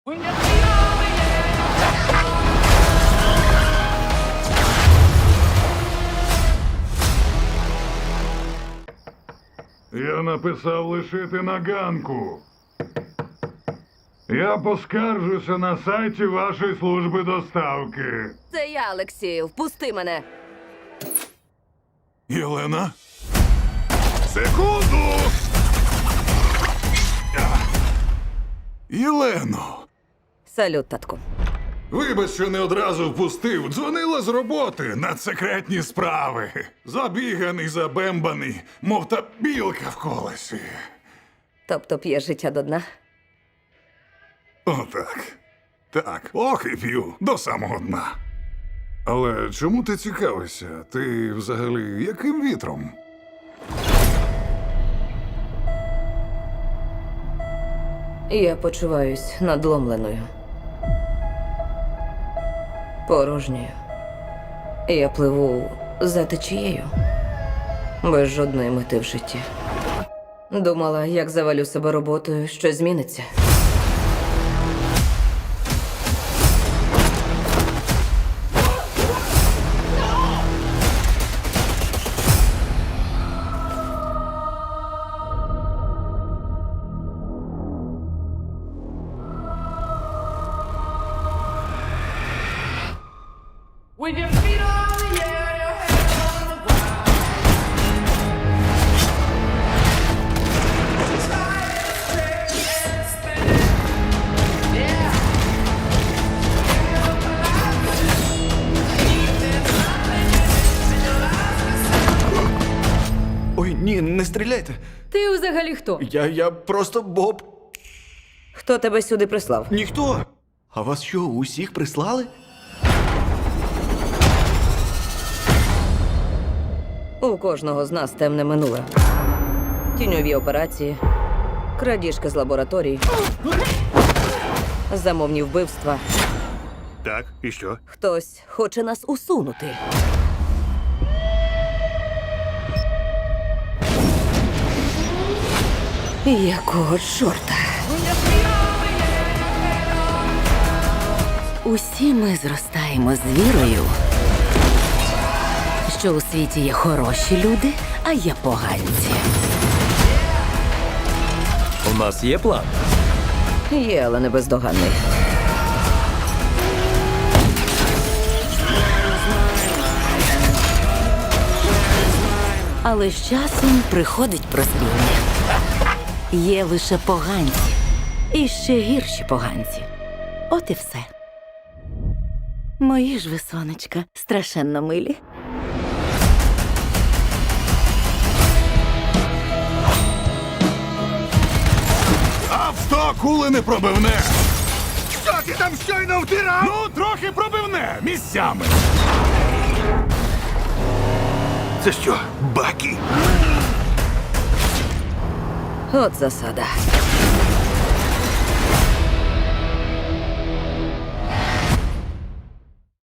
Я написав лишити на ганку. Я поскаржуся на сайті вашої служби доставки. Це я, Олексію. Впусти мене. Єлена? Секунду! Єлено! Салют, татку. Вибач, що не одразу впустив. Дзвонила з роботи на секретні справи. Забіганий, забембаний, мов та білка в колесі. Тобто п'єш життя до дна? Отак. Так, ох і п'ю до самого дна. Але чому ти цікавишся? Ти взагалі яким вітром? Я почуваюсь надломленою. Порожньою. Я пливу за течією. Без жодної мети в житті. Думала, як завалю себе роботою, що зміниться. With your feet on the air, your head on the ground. Try to stay and spin it. Yeah. Ой, ні, не стріляйте. Ти взагалі хто? Я просто Боб. Хто тебе сюди прислав? Ніхто. А вас що, усіх прислали? У кожного з нас темне минуле. Тіньові операції, крадіжки з лабораторій, замовні вбивства. Так, і що? Хтось хоче нас усунути. Якого чорта? Усі ми зростаємо з вірою, що у світі є хороші люди, а є поганці. У нас є план. Є, але не бездоганний. Але з часом приходить прозріння. Є лише поганці. І ще гірші поганці. От і все. Мої ж ви, сонечка, страшенно милі. Авто кули не пробивне! Що ти там щойно втирав? Ну, трохи пробивне місцями. Це що, баки? От засада.